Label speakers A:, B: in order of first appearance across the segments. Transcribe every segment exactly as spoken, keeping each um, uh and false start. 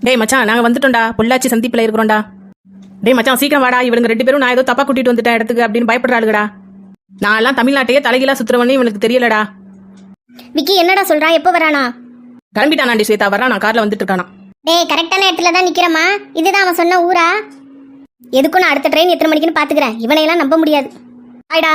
A: டேய் மச்சான், நாங்க வந்துட்டோம்டா. பொள்ளாச்சி சந்திப்புல இருக்கிறோம்டா. டேய் மச்சான், சீக்கிரம் வாடா. இவனுங்க ரெண்டு பேரும் நான் ஏதோ தப்பா கூட்டிட்டு வந்துட்டேன் இடத்துக்கு அப்படின்னு பயப்படுறாளுடா. நான் எல்லாம் தமிழ்நாட்டையே தலைகீழா சுத்துறவனே இவனுக்கு தெரியலடா.
B: விக்கி என்னடா சொல்றா? எப்போ வரானா?
A: கிளம்பிட்டானாண்டி ஸ்வேதா. வரான், நான் கார்ல வந்துட்டு இருக்கானா.
B: டேய், கரெக்டான இடத்துல தான் நிக்கிறமா. இதுதான் அவன் சொன்ன ஊரா? எதுக்கும் நான் அடுத்த ட்ரெயின் எத்தனை மணிக்குன்னு பாத்துக்கிறேன். இவனையெல்லாம் நம்ப முடியாது. ஆயிடா.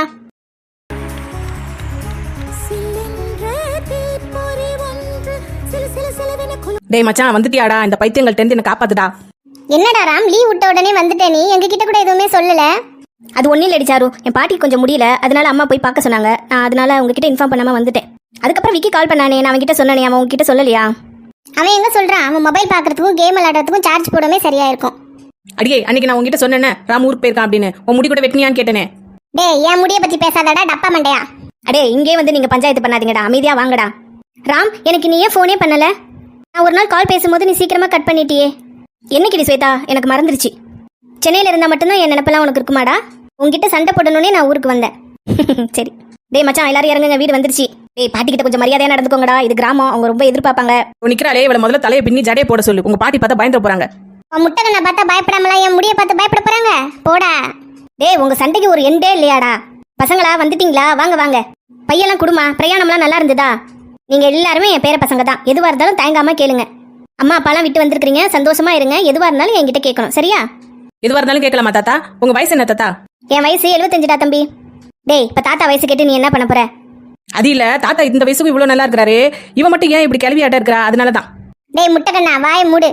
A: டேய் மச்சான், வந்துட்டியாடா? இந்த பைத்தியங்கள்ட்ட இருந்து என்ன காப்பாத்துடா.
B: என்னடா ராம், லீவ் விட்ட உடனே வந்துட்டே நீ? எங்க கிட்ட கூட எதுவுமே சொல்லல. அது ஒன்னும் இல்லடி சாரு, என் பாட்டிக்கு கொஞ்சம் முடியல, அதனால அம்மா போய் பார்க்க சொன்னாங்க. நான் அதனால உங்ககிட்ட இன்ஃபார்ம் பண்ணாம வந்துட்டேன். அதுக்கப்புறம் விக்கி கால் பண்ணானே, நான் அவன்கிட்ட சொன்னானே, அவன் உங்ககிட்ட சொல்லலையா? அவன் எங்க சொல்றான்? அவன் மொபைல் பாக்குறதுக்கும் கேம் விளையாடுறதுக்கும் சார்ஜ் போடவே சரியா இருக்கும்.
A: அடியே, அன்னைக்கு நான் உங்ககிட்ட சொன்னேனே ராம் ஊருக்கு போயிருக்கான் அப்படின்னு. உன் முடி கூட வெட்டினியான்னு கேட்டேனே.
B: டேய், என் முடிய பத்தி பேசாதடா டப்பா மண்டையா. அடே, இங்கே வந்து நீங்க பஞ்சாயத்து பண்ணாதீங்கடா, அமைதியா வாங்கடா. ராம், எனக்கு நீ ஏன் ஃபோனே பண்ணல? நான் ஒரு நாள் கால் பேசும்போது நீ சீக்கிரமா கட் பண்ணிட்டியே. என்னைக்கு ஸ்வேதா? எனக்கு மறந்துருச்சு. சென்னையில இருந்தா மட்டும்தான் என் நினைப்பெல்லாம் உனக்கு இருக்குமாடா? உங்ககிட்ட சண்டை போடணுன்னே நான் ஊருக்கு வந்தேன். சரி. டேய் மச்சான், எல்லாரும் இறங்குங்க, வீடு வந்துருச்சு. டேய், பாட்டி கிட்ட கொஞ்சம் மரியாதையா நடந்துக்கோங்கடா, இது கிராமம், அவங்க ரொம்ப எதிர்பார்ப்பாங்க.
A: நிக்கிறாளே, இவளை முதல்ல தலையை பின்னி ஜடையை போட சொல்லு. உங்க பாட்டி பார்த்தா பயந்துட போறாங்க.
B: முட்டை பார்த்தா பயப்படாமலாம் என் முடிய பார்த்து பயப்பட போறாங்க. போடா. டேய், உங்க சண்டைக்கு ஒரு எண்டே இல்லையாடா? பசங்களா வந்துட்டீங்களா? வாங்க வாங்க. பையெல்லாம் குடுமா. பிரயாணம்லாம் நல்லா இருந்ததா? நீங்க எல்லாருமே என் பேர பசங்க தான். எதுவா இருந்தாலும் தயங்காம கேளுங்க. அம்மா அப்பாலாம் விட்டு வந்திருக்கீங்க, சந்தோஷமா இருங்க. எதுவா இருந்தாலும் என்கிட்ட கேட்கணும், சரியா?
A: எதுவா இருந்தாலும் கேட்கலாமா தாத்தா? உங்க வயசு என்ன தாத்தா?
B: என் வயசு எழுபத்தஞ்சுடா தம்பி. டேய், இப்ப தாத்தா வயசு கேட்டு நீ என்ன பண்ண போற?
A: அது இல்ல தாத்தா, இந்த வயசுக்கு இவ்வளவு நல்லா இருக்கிறாரு, இவன் மட்டும் ஏன் இப்படி கிளவி ஆட்ட இருக்கிறா? அதனாலதான்.
B: டேய் முட்டக்கண்ணா, வாய மூடு.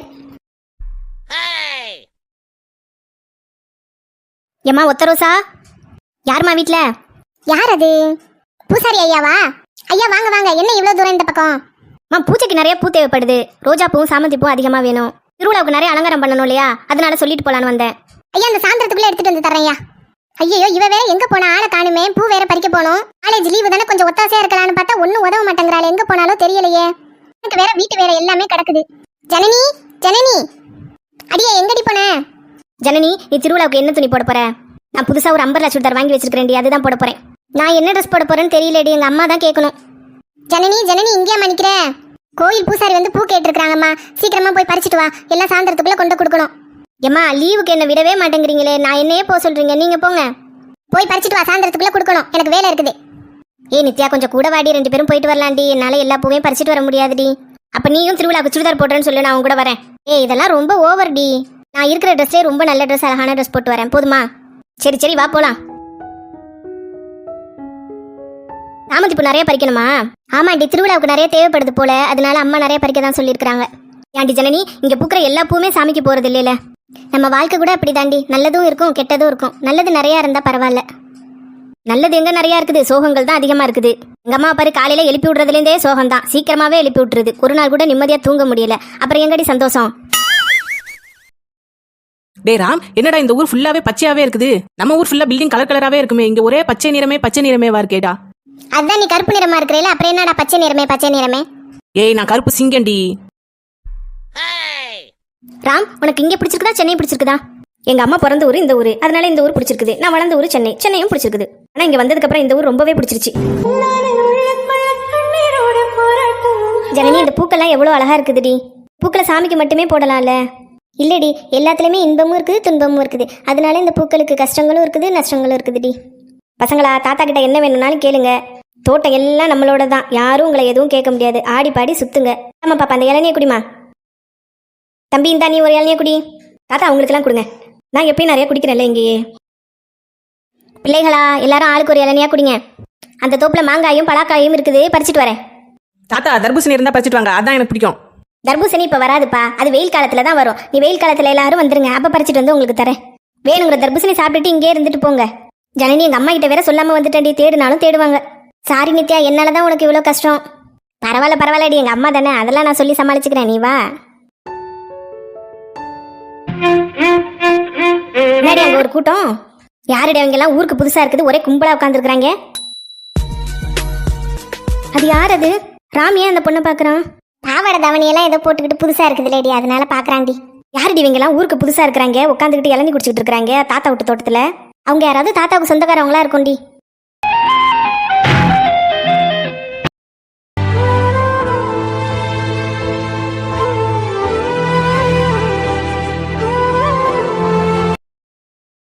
B: ஏமா ஒத்தரோசா, யாருமா வீட்ல? யார் அது? பூசாரி ஐயாவா? ஐயா வாங்க வாங்க. என்ன இவ்வளவு தூரம் இந்த பக்கம்? மா, பூஜைக்கு நிறைய பூ தேவைப்படுது. ரோஜா பூவும் சாமந்தி பூவும் அதிகமா வேணும். திருவிழாவுக்கு நிறைய அலங்காரம் பண்ணணும் இல்லையா? அதனால சொல்லிட்டு போலான்னு வந்தேன். ஐயா, அந்த சாயந்தரத்துக்குள்ள எடுத்துட்டு வந்து தரேன் ஐயா. ஐயோ, இவ வேற எங்க போனா? ஆளை காணுமே. பூ வேற பறிக்க போனோம். காலேஜ் லீவு தானே, கொஞ்சம் ஒத்தாசையா இருக்கலாம்னு பார்த்தா ஒன்னும் உதவ மாட்டேங்கிறாள். எங்க போனாலும் தெரியலையே. எனக்கு வேற வீட்டு வேற எல்லாமே கிடக்குது. ஜனனி, ஜனனி, அடியே எங்கடி போன? ஜனனி, நீ திருவிழாவுக்கு என்ன துணி போட போற? நான் புதுசா ஒரு அம்பர்லா சுடிதார் வாங்கி வச்சிருக்கேன்டி, அதுதான் போட போறேன். நான் என்ன ட்ரெஸ் போட போறேன்னு தெரியலடி, எங்க அம்மா தான் கேட்கணும். ஜனனி, ஜனனி, இங்கேயா மணிக்கிற? கோயில் பூசாரி வந்து பூ கேட்டிருக்காங்கம்மா, சீக்கிரமா போய் பறிச்சுட்டு வா. எல்லாம் சாயந்தரத்துக்குள்ள கொண்டு கொடுக்கணும். ஏம்மா, லீவுக்கு என்ன விடவே மாட்டேங்கிறீங்களே. நான் என்னையே போக சொல்றீங்க, நீங்க போங்க. போய் பறிச்சுட்டு வா, சாயந்தரத்துக்குள்ள கொடுக்கணும், எனக்கு வேலை இருக்குது. ஏ நித்யா, கொஞ்சம் கூட வாடி, ரெண்டு பேரும் போயிட்டு வரலாண்டி. என்னால எல்லா பூவையும் பறிச்சுட்டு வர முடியாதுடி. அப்ப நீயும் திருவிழாவுக்கு சுடிதார் போடுறேன்னு சொல்லு, நான் உங்க கூட வரேன். ஏ, இதெல்லாம் ரொம்ப ஓவர் டி. நான் இருக்கிற ட்ரெஸ்ஸே ரொம்ப நல்ல ட்ரெஸ், அழகான ட்ரெஸ் போட்டு வரேன், போதுமா? சரி சரி, வா போலாம். சாமந்தி பூ நிறைய பறிக்கணுமா? ஆமாண்டி, திருவிழாவுக்கு நிறைய தேவைப்படுது போல, அதனால அம்மா நிறைய பறிக்க தான் சொல்லியிருக்காங்க. ஏன்டி ஜனனி, இங்க பூக்கிற எல்லா பூவுமே சாமிக்கு போறது இல்லையில. நம்ம வாழ்க்கை கூட அப்படி தாண்டி, நல்லதும் இருக்கும் கெட்டதும் இருக்கும். நல்லது நிறைய இருந்தா பரவாயில்ல. நல்லது எங்க நிறைய இருக்குது, சோகங்கள் தான் அதிகமா இருக்குது. எங்க அம்மா பாரு, காலையில எழுப்பி விடுறதுலேருந்தே சோகம் தான். சீக்கிரமாவே எழுப்பி விட்டுருது. ஒரு நாள் கூட நிம்மதியா தூங்க முடியல. அப்புறம் எங்கடி சந்தோஷம்?
A: டே ராம், என்னடா இந்த ஊர் ஃபுல்லாவே பச்சையாவே இருக்குது? நம்ம ஊர் ஃபுல்லா பில்டிங் கலர் கலராவே இருக்குமே, இங்க ஒரே பச்சை நிறமே பச்சை நிறமே இருக்கேடா.
B: அதான் நீ கருப்பு நிறமா இருக்கிறேல, அப்புறம் என்னடா பச்சை நிறமே பச்சை நிறமே?
A: ஏய், நான் கருப்பு சிங்கண்டி.
B: ராம், உனக்கு இங்க பிடிச்சிருக்குதா சென்னை பிடிச்சிருக்குதா? எங்க அம்மா பிறந்த ஊர் இந்த ஊரு, அதனால இந்த ஊர் பிடிச்சிருக்குது. நான் வளர்ந்த ஊர் சென்னை, சென்னையும் பிடிச்சிருக்குது. ஆனா இங்க வந்ததுக்கு அப்புறம் இந்த ஊர் ரொம்பவே பிடிச்சிருச்சு. ஜனனி, இந்த பூக்கெல்லாம் எவ்வளவு அழகா இருக்குதுடி. பூக்களை சாமிக்கு மட்டுமே போடலாம்ல? இல்லடி, எல்லாத்துலயுமே இன்பமும் இருக்குது துன்பமும் இருக்குது. அதனால இந்த பூக்களுக்கு கஷ்டங்களும் இருக்குது நஷ்டங்களும் இருக்குதுடி. பசங்களா, தாத்தா கிட்ட என்ன வேணும்னாலும் கேளுங்க. தோட்டம் எல்லாம் நம்மளோட தான், யாரும் உங்களை எதுவும் கேட்க முடியாது. ஆடி பாடி சுத்துங்க. ஆமா பாப்பா, அந்த இளநிய குடிமா. தம்பி, இந்தா நீ ஒரு இளநிய குடி. தாத்தா அவங்களுக்குலாம் கொடுங்க, நான் எப்பயும் நிறைய குடிக்கிறேன்ல இங்கேயே. பிள்ளைகளா, எல்லாரும் ஆளுக்கு ஒரு இளநியா குடிங்க. அந்த தோப்புல மாங்காயும் பலாக்காயும் இருக்குது, பறிச்சுட்டு வரேன்.
A: தாத்தா, தர்பூசணி இருந்தா பறிச்சுட்டு வாங்க, அதான் எனக்கு பிடிக்கும்.
B: தர்பூசணி இப்ப வராதுப்பா, அது வெயில் காலத்துல தான் வரும். நீ வெயில் காலத்துல எல்லாரும் வந்துருங்க, அப்ப பறிச்சுட்டு வந்து உங்களுக்கு தரேன். வேணுங்கிற தர்பூசணி சாப்பிட்டுட்டு இங்கே இருந்துட்டு போங்க. ஜனனி, எங்க அம்மா கிட்ட வேற சொல்லாம வந்துட்டேன்டி, தேடுனாலும் தேடுவாங்க. சாரி நித்யா, என்னாலதான் உனக்கு இவ்வளவு கஷ்டம். பரவாயில்ல பரவாயில்லடி, எங்க அம்மா தானே, அதெல்லாம் நான் சொல்லி சமாளிச்சுக்கிறேன், நீ வா. முன்னாடி அங்க ஒரு கூட்டம். யாருடைய அவங்க எல்லாம் ஊருக்கு புதுசா இருக்குது, ஒரே கும்பலா உட்காந்துருக்காங்க. அது யார் அது? ராம் ஏன் அந்த பொண்ணை பாக்குறான்? பாவாடை தவணியெல்லாம் ஏதோ போட்டுக்கிட்டு புதுசா இருக்குது லேடி, அதனால பாக்குறாண்டி. யாருடி இவங்க எல்லாம் ஊருக்கு புதுசா இருக்கிறாங்க, உட்காந்துக்கிட்டு இளநீ குடிச்சிட்டு இருக்காங்க தாத்தா விட்டு தோட்டத்துல? அவங்க யாராவது தாத்தாவுக்கு சொந்தக்காரவங்களா இருக்கும்டி.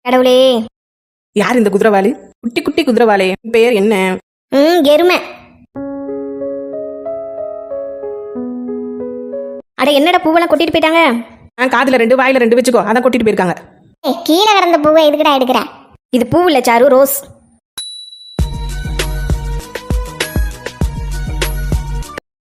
B: கடவுளே.
A: யார் இந்த குதிரவாளி? குட்டி குட்டி குதிரவாளே, பேர் என்ன?
B: ம் எருமை. அட என்னடா பூவெல்லாம் கொட்டிட்டு போயிட்டாங்க.
A: ஆ, காதுல ரெண்டு வாயில ரெண்டு வச்சுக்கோ, அதான் கொட்டிட்டு போயிருக்காங்க.
B: ஏய், கீழே கிடந்த பூவை எதுக்குடா எடுக்கிற? இது பூ இல்ல சாரு, ரோஸ்.